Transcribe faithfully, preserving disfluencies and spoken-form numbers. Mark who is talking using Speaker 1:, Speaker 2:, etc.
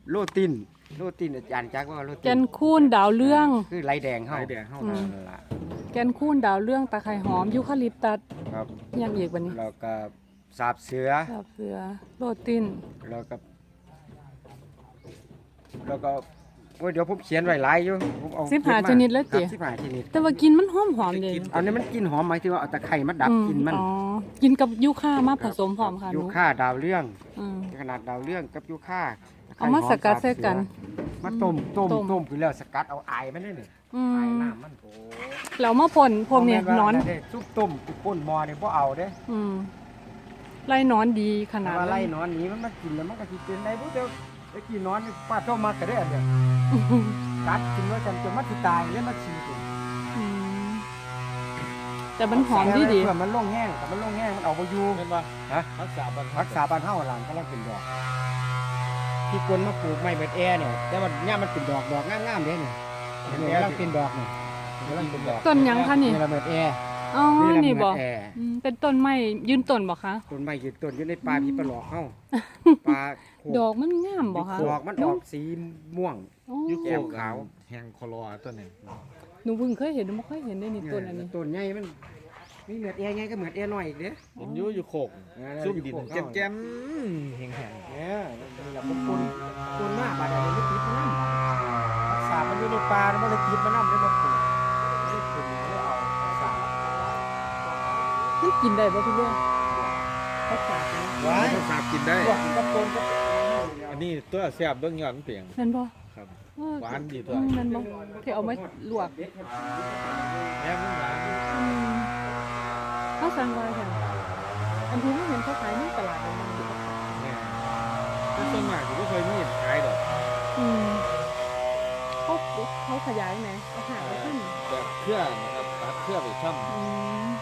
Speaker 1: โลตินโลตินอาจารย์จักว่าโลติน
Speaker 2: แกนคูนดาวเรื่อง
Speaker 1: คือไรแดงเฮา
Speaker 3: ไรแดงเฮา
Speaker 2: อืม
Speaker 1: นั่นล่ะ
Speaker 2: แกนคูนดาวเรื่องตะไคร้หอมยูคาลิปตัส
Speaker 1: ครับ
Speaker 2: ยังอีกบัดนี้
Speaker 1: แล้วก็สาบเสือ
Speaker 2: ดาบเสือโรติน
Speaker 1: แล้วก็แล้วก็โอ้ยเดี๋ยวผมเขียนไว้หลายอยู่ผมเอา
Speaker 2: สิบห้า
Speaker 1: เก็บม
Speaker 2: ชนิดเลยติ
Speaker 1: ครับสิบห้าชนิด
Speaker 2: แต่ว่ากินมันหอมหอมๆเลย
Speaker 1: อันนี้มันกลินหอมหมายถึงว่าเอาตะไคร้มาดับ
Speaker 2: อื
Speaker 1: กลินมัน
Speaker 2: อ๋อกินกับยูคามาผสมพร้อมค่ะห
Speaker 1: ยู
Speaker 2: นู
Speaker 1: ค่าดาวเรื่อง
Speaker 2: อืม
Speaker 1: ขนาดดาวเรื่องกับยูค่าตะไคร้
Speaker 2: เอามา
Speaker 1: ห
Speaker 2: สกัดใส่กัน
Speaker 1: มาต้มต้ม
Speaker 2: ต้ม
Speaker 1: ต้มคือแล้วสกัดเอาไอมันนี่นี่
Speaker 2: อื
Speaker 1: ไอ
Speaker 2: ม
Speaker 1: น้ำมันโอ้
Speaker 2: แล้วมาพ่นพวกเนี้ย
Speaker 1: บ่แม่
Speaker 2: นอน
Speaker 1: ว่าได้ซุปต้มตุป่นหมอนี่บ่เอาเด้
Speaker 2: อืมไล่นอนดีขนาด
Speaker 1: ว่า
Speaker 2: นั้
Speaker 1: ไล่
Speaker 2: น
Speaker 1: นอนหนี้มันมากินแล้วมันก็สิเป็นได้บ่เด้อไอ้กี่นอนนี่ป้าโตมาก็ได้อันเดียวกัดกินว่าจนจนมันสิตายแล้วมันฉี่ตัว
Speaker 2: อืมแต่มันหอมดีดี
Speaker 1: เพื่อมันลงแห้งแต่มันลงแห้งมันเอาบ่อยู่
Speaker 3: แม่นบ่
Speaker 1: ฮะ
Speaker 3: รักษาบ้าน
Speaker 1: รักษาบ้านเฮาหลังกำลังเป็นดอกที่คนมาปลูกไม้เบิดแอเนี่ยแต่ว่าเนี่ยมันเป็นดอกดอกงามๆเด้เนี่ยเห็นไหมกำลังเป็นดอกนี่กำลังเป็นดอก
Speaker 2: ต้นหยังคะนี่
Speaker 1: นี่ละเบิดแอ
Speaker 2: อ๋อ
Speaker 1: นี่ละ
Speaker 2: นี่
Speaker 1: เบิ
Speaker 2: บ่
Speaker 1: ดแอ
Speaker 2: อืมเป็นต้นไม้ยืนต้นบ่คะ
Speaker 1: ต้นไม้ยืนต้นอยู่ในป่าพี่ปลาหลอกเฮาปลาโข
Speaker 2: ดอกมันงามบ่คะ
Speaker 1: ดอกมันออกสีม่วง
Speaker 2: อ๋อ
Speaker 3: ยุคโค
Speaker 1: แก้ม
Speaker 3: ก
Speaker 1: ขาว
Speaker 3: แหงคอลอตัวนี้
Speaker 2: หนูเพิ่งเคยเห็นหนูไม่เคยเห็นได้นี่ต้นอันนี้
Speaker 1: ต้นใหญ่มันมีเหมือดแอไงก็เหมือดแอน้อยอีกเด้อ
Speaker 3: เห็นอยู่อยู่โคก
Speaker 1: เออ
Speaker 3: ซุ่มดิน
Speaker 1: อยู่โคก
Speaker 3: แจ่มๆแหง
Speaker 1: เนี่ยนี่แหละผมคนคนมากบาดอะไรไม่ติดมันน้ำรักษามันอยู่ในป่าแล้วมันเลยติดมันน้ำได้มาปลูกได้ปลูกได้เอารักษา
Speaker 2: มันกินได้บ่พี่เรื่องเขาฝากนะ
Speaker 3: ๆว้ายสาบกินได้
Speaker 1: พวกกับคนก็
Speaker 3: อันนี้ตัวแซ่บเบิ่งยอดมันเปลียง
Speaker 2: แม่นบ่
Speaker 3: ครับ
Speaker 2: เออ
Speaker 3: หวานดีตัว
Speaker 2: อืมแม่นบ่ที่เอามาลวก
Speaker 3: แม่มันหวาน
Speaker 2: อืมเขาสั่งไว้ค่ะอันที่ไม่เห็นเขาขายในตลาดเลยนะ
Speaker 3: แม่แต่ส่วนมากสิบ่เคยมีขายดอก
Speaker 2: อืมเขาเขาขยายไหมเอาหาไปขึ้น
Speaker 3: แบบเครือนะครับตัดเครือไปช่ำ
Speaker 2: อืม